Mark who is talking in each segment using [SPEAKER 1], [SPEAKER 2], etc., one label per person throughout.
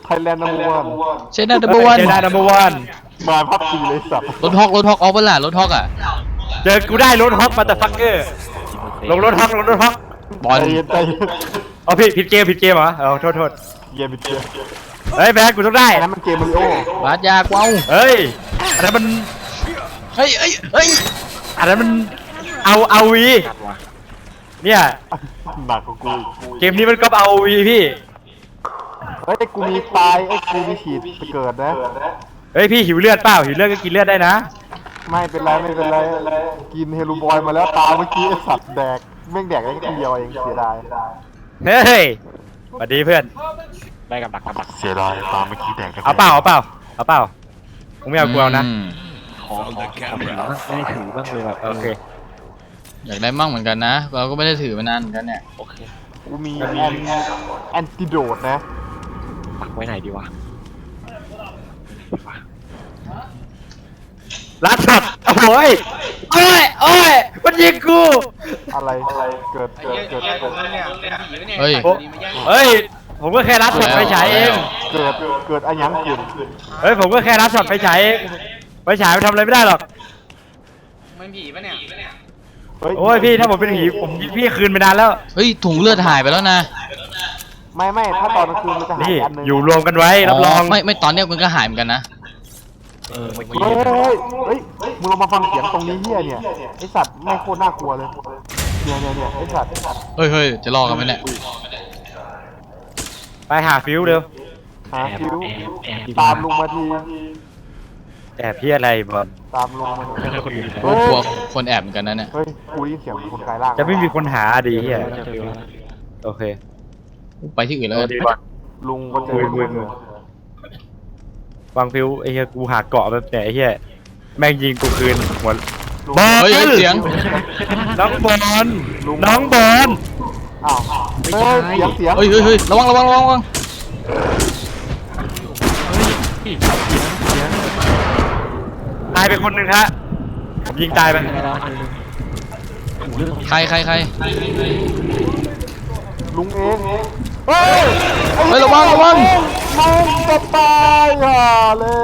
[SPEAKER 1] ไทยแลนด์นัมเบอร์วัน
[SPEAKER 2] เชน่าดับเบิลวัน
[SPEAKER 3] เจด้านัมเบอร์วัน
[SPEAKER 1] มาพับจีเลยสัตว์
[SPEAKER 2] รถฮอกออกเปล่ารถฮอกอ่ะ
[SPEAKER 3] เจอกูได้รถฮอกมาแต่ฟักเกอร์ลงรถฮอก
[SPEAKER 2] บอล
[SPEAKER 1] ใจเย็นใจเย็น
[SPEAKER 3] เอาผิดเกมเหรอเอาโทษ
[SPEAKER 1] เย็นไปเย็น
[SPEAKER 3] เฮ้ยแบ๊กกูต้องได้
[SPEAKER 1] อันนั้นมันเกมมาริโอบ
[SPEAKER 2] าสยากว้าว
[SPEAKER 3] เฮ้ยอันนั้นมัน
[SPEAKER 2] เฮ้ย
[SPEAKER 3] อันนั้นมันเอาวีเนี่ย
[SPEAKER 1] หนักกว่ากูอีก
[SPEAKER 3] เกมนี้มันก็เอาวีพี่
[SPEAKER 1] เฮ้ยกูมีตายกูมีฉีดจะเกิดนะ
[SPEAKER 3] เฮ้ยพี่หิวเลือดเปล่าหิวเลือดก็กินเลือดได้นะ
[SPEAKER 1] ไม่เป็นไรกินเฮลูบอยมาแล้วตาเมื่อกี้ไอสัตว์แดกแม่งแดกได้แค่เดียวเองเสียดาย
[SPEAKER 3] เฮ้ยสวัสดีเพื่อน
[SPEAKER 4] ได้กับดัก
[SPEAKER 1] เสียดายตาเมื่อกี้แดกได้
[SPEAKER 3] เอาเปล่าผมไม่เอากูเอานะ
[SPEAKER 4] ขอถือบ้างไม่ได้ถือบ้างเลยแบบ
[SPEAKER 3] โอเค
[SPEAKER 2] อยากได้มั่งเหมือนกันนะเราก็ไม่ได้ถือมานานเหมือนกันเนี่ย
[SPEAKER 4] โอเค
[SPEAKER 1] กูมีแอนติโดดนะ
[SPEAKER 4] ปักไว้ไหนดีวะ
[SPEAKER 3] ลัดช็อตโอ้ยมันยิงกู
[SPEAKER 1] อะไรเกิด
[SPEAKER 2] เฮ้ย
[SPEAKER 3] เฮ้ยผมก็แค่ลัดช็อตไฟฉายเอง
[SPEAKER 1] เกิดอะไรยังคุณ
[SPEAKER 3] เฮ้ยผมก็แค่ลัดช็อตไฟฉายเองไฟฉายมันทำอะไรไม่ได้หรอก
[SPEAKER 5] มันผีปะเนี่ย
[SPEAKER 3] โอ้ยพี่ถ้าผมเป็นผีผมยิงพี่คืนไปนานแล้ว
[SPEAKER 2] เฮ้ยถุงเลือดหายไปแล้วนะ
[SPEAKER 1] ไม่ถ้าตอนกลางคืนมันจะหาย
[SPEAKER 3] นี่
[SPEAKER 1] อันนึง
[SPEAKER 3] อยู่รวมกันไว้รับรอง
[SPEAKER 2] ไม่ตอนเนี้ยมันก็หายเหมือนกันนะ
[SPEAKER 4] เมื่อกี้
[SPEAKER 1] เฮ้ยมึงลองมาฟังเสียงตรงนี้เฮียเนี่ยไอสัตว์ไม่โคตรน่ากลัวเลยเนี่ยไอสัตว์
[SPEAKER 2] เฮ้ยจะรอกันไหมเนี่ย
[SPEAKER 3] ไปหาฟิวเร็ว
[SPEAKER 1] หาคิว
[SPEAKER 4] แอบ
[SPEAKER 1] ตามลุงมาที
[SPEAKER 3] แอบพี่อะไรบอล
[SPEAKER 1] ตามลุงมาที
[SPEAKER 4] คนอื่น
[SPEAKER 2] โอ้กลัวคนแอบเหมือนกันนะเนี่ย
[SPEAKER 1] เฮ้ยกูได้ยินเสียงคนกายร่าง
[SPEAKER 3] จะไม่มีคนหาดีเฮีย
[SPEAKER 4] จะฟิวแล้ว
[SPEAKER 3] โอเค
[SPEAKER 2] ไปที่อื่นแล้วกัน
[SPEAKER 3] ดีบอล
[SPEAKER 1] ลุงก็เจอ
[SPEAKER 3] วางฟิวไอ้เฮียกูหาเกาะแบบไหนไอ้เฮียแม่งยิงกูคืนหัว
[SPEAKER 2] เฮ้ยเสียง
[SPEAKER 3] น้องบอล
[SPEAKER 1] อ้าวเฮ้ยเสียง
[SPEAKER 2] เฮ้ยระวัง
[SPEAKER 3] ตายไปคนหนึ่งฮะผมยิงตายไป
[SPEAKER 2] ใคร
[SPEAKER 1] ลุงเองเฮ้ย
[SPEAKER 2] เฮ้ยระวัง
[SPEAKER 1] ลุงจะตายห่าเลย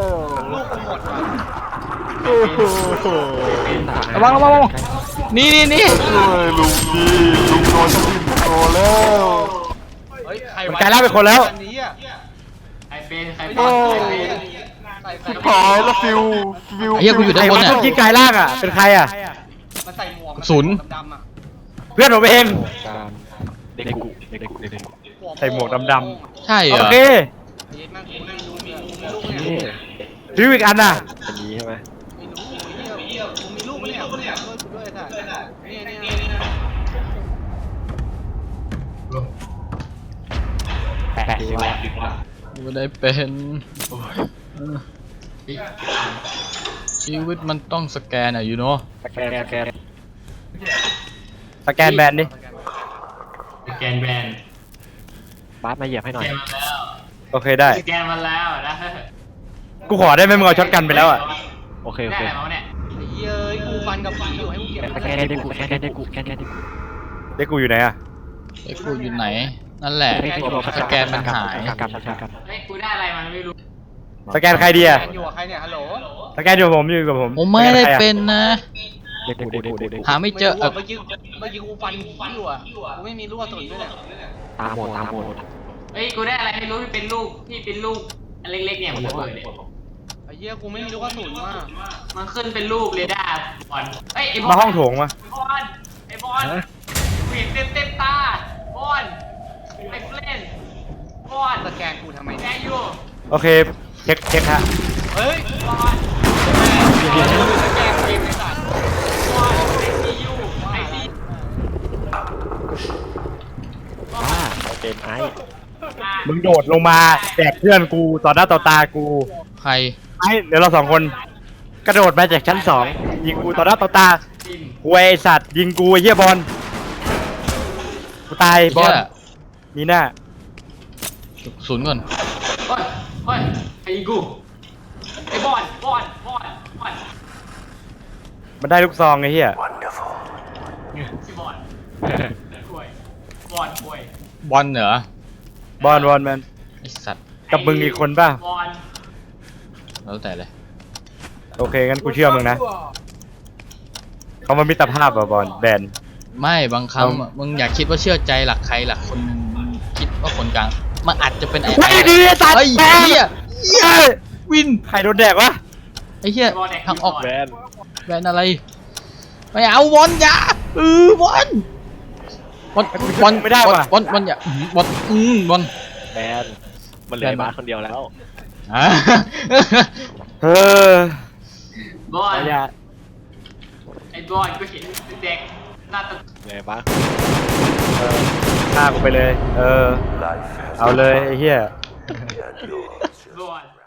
[SPEAKER 1] เฮ้ย
[SPEAKER 2] ระวังนี่
[SPEAKER 1] ช่วยลุงดีลุงโดนจะดิ้นโตแล้ว
[SPEAKER 5] เฮ้ยใคร
[SPEAKER 3] มันกลายร่างเป็นคนแล้ว
[SPEAKER 5] อันนี้อ่ะใครเป็นใคร
[SPEAKER 1] เฮ้ย
[SPEAKER 5] เป็น
[SPEAKER 1] หายแล้วฟิว
[SPEAKER 2] ไอ้เหี้ยกูอยู่ด้านบน
[SPEAKER 3] ไอ้
[SPEAKER 2] เนี่ย
[SPEAKER 3] คนยิงกายล่างอ่ะเป็นใครอ่ะ
[SPEAKER 5] มันใส่หมวก
[SPEAKER 2] ศูนย์
[SPEAKER 5] ดำๆอ่ะ
[SPEAKER 3] เพื่อนผมเอง
[SPEAKER 4] การเด็กกุ
[SPEAKER 3] ใส่หมวกดำ
[SPEAKER 2] ใช่เหร
[SPEAKER 3] โอ
[SPEAKER 2] อ
[SPEAKER 3] เค
[SPEAKER 5] เย็ดมากกูนั่งดูมีลูก
[SPEAKER 4] นี่
[SPEAKER 5] เนี่ย
[SPEAKER 3] ฟิวอีกอันน่ะ
[SPEAKER 4] อันนี้ใช่ไหม
[SPEAKER 5] ไม่รู้เหี้ยกูมีลูกปะเนี่ยช่วยกูด้วยค่ะเนี่ย
[SPEAKER 4] แปะดีวะ
[SPEAKER 2] ไม่ได้เป็นชีวิตมันต้องสแกนอ่ะยูโน่
[SPEAKER 4] สแกน
[SPEAKER 3] สแกนแบนดิ
[SPEAKER 6] สแกนแบน
[SPEAKER 4] บาสมาเหยียบให้หน่อย
[SPEAKER 3] โอเคได้
[SPEAKER 6] สแกนมาแล้วนะ
[SPEAKER 3] กูขอได้ไหมมึงเอาช็อตกันไปแล้วอ่ะ
[SPEAKER 4] โอเค
[SPEAKER 6] ได้อะไรมาวะเนี่ย
[SPEAKER 5] ไอ้เหี้ยกูฟันกับผีอยู่ให้กูเก็บ
[SPEAKER 4] สแกนเด็กกุสแกนเด็กกุ
[SPEAKER 3] ได้กูอยู่ไหนอ่ะ
[SPEAKER 2] ไอ้กูอยู่ไหนนั่นแหละสแกนมันหาย
[SPEAKER 4] กลับ
[SPEAKER 6] เฮ้ยกูได้อะไรมาไม่รู้
[SPEAKER 3] สแกนใครดีอ่ะ
[SPEAKER 5] อยู่กับใครเนี่ยฮัลโหล
[SPEAKER 3] สแกนอยู่กับผม
[SPEAKER 2] ผมไม่ได้เป็นนะ
[SPEAKER 4] เด็กกุ
[SPEAKER 2] หาไม่เจอ
[SPEAKER 5] เมื่อกี้กูฟันผีอยู่อ่ะกูไม่มีลูกกระสุนด้วยเนี่ย
[SPEAKER 4] ตาหมด
[SPEAKER 6] เฮ้ยกูได้อะไรไม่รู้ที่เป็นลูกอันเล็กๆเนี่ยมันระเบิดเนี่ย
[SPEAKER 5] ไอ้เหี้ยกูไม่มีลูกกระสุนมาก
[SPEAKER 6] มันขึ้นเป็นลูกเรดาร์บอลเฮ้ยไอ้บอล
[SPEAKER 3] มาห้องโถงมา
[SPEAKER 6] ไอ้บอลเห็นเต็มตาบอลไอ้เฟรนบอล
[SPEAKER 5] สแกนกูทำไม
[SPEAKER 6] แก
[SPEAKER 5] เนี่ย
[SPEAKER 6] อยู่
[SPEAKER 3] โอเคเช็คฮะ
[SPEAKER 5] เฮ้ย
[SPEAKER 6] บอล
[SPEAKER 5] สแกนเกมไอ้สัตว์
[SPEAKER 6] บอลไอซียูไอซี
[SPEAKER 4] บ้าเป็นไอ้
[SPEAKER 3] มึงโดดลงมาแดกเพื่อนกูต่อหน้าต่อตากู
[SPEAKER 2] ใคร
[SPEAKER 3] ไอ้เดี๋ยวเราสองคนกระโดดมาจากชั้น2ยิงกูต่อหน้าต่อตากูไอสัตว์ยิงกูไอ้เหี้ยบอลกูตายบอลนี่หน้า
[SPEAKER 2] ศูนย์ก่อน
[SPEAKER 6] เฮ้ยไอ้กูไอ้บอล
[SPEAKER 3] มันได้ลูกซองไอ้เหี้ย
[SPEAKER 6] ชื่อบอลป่วยบอลป่วย
[SPEAKER 2] บอลเหรอบ
[SPEAKER 3] อลแมน
[SPEAKER 2] ไอสัตว์
[SPEAKER 6] ไ
[SPEAKER 3] กับมึงอีกคนป่ะ
[SPEAKER 6] บอล
[SPEAKER 2] แล้วแต่เลย
[SPEAKER 3] โอเคงั้นกูเชื่อมึงนะเขามามิตรภาพอ่ะบอลแบน
[SPEAKER 2] ไม่บางครั้งมึงอยากคิดว่าเชื่อใจหลักใครหลักคนหนึงมึงคิดว่าคนกลางมันอาจจะเป็นไอ้
[SPEAKER 3] ไม่ดีตัด
[SPEAKER 2] เฮ้ย
[SPEAKER 3] แบน
[SPEAKER 2] เฮียวิน
[SPEAKER 3] ใครโดนแดกวะ
[SPEAKER 2] ไอ้เฮียทางออก
[SPEAKER 4] แบน
[SPEAKER 2] แบนอะไรไม่เอาบอลอย่าบอลบอลบอล
[SPEAKER 3] ไม่ได้ว่ะ
[SPEAKER 2] บอลบอลอย่าบอลบอล
[SPEAKER 4] แบนมันเหลือไอ้บาสคนเดียวแล้ว
[SPEAKER 2] อ่ะ
[SPEAKER 3] เออบ
[SPEAKER 6] อล
[SPEAKER 3] อย่า
[SPEAKER 6] ไอ้บอลก็เห็นเด็กหน้าตา
[SPEAKER 4] เหลือไอ้บาส
[SPEAKER 3] ฆ่ากูไปเลย เอาเลยไอ้เหี้ย
[SPEAKER 6] บอล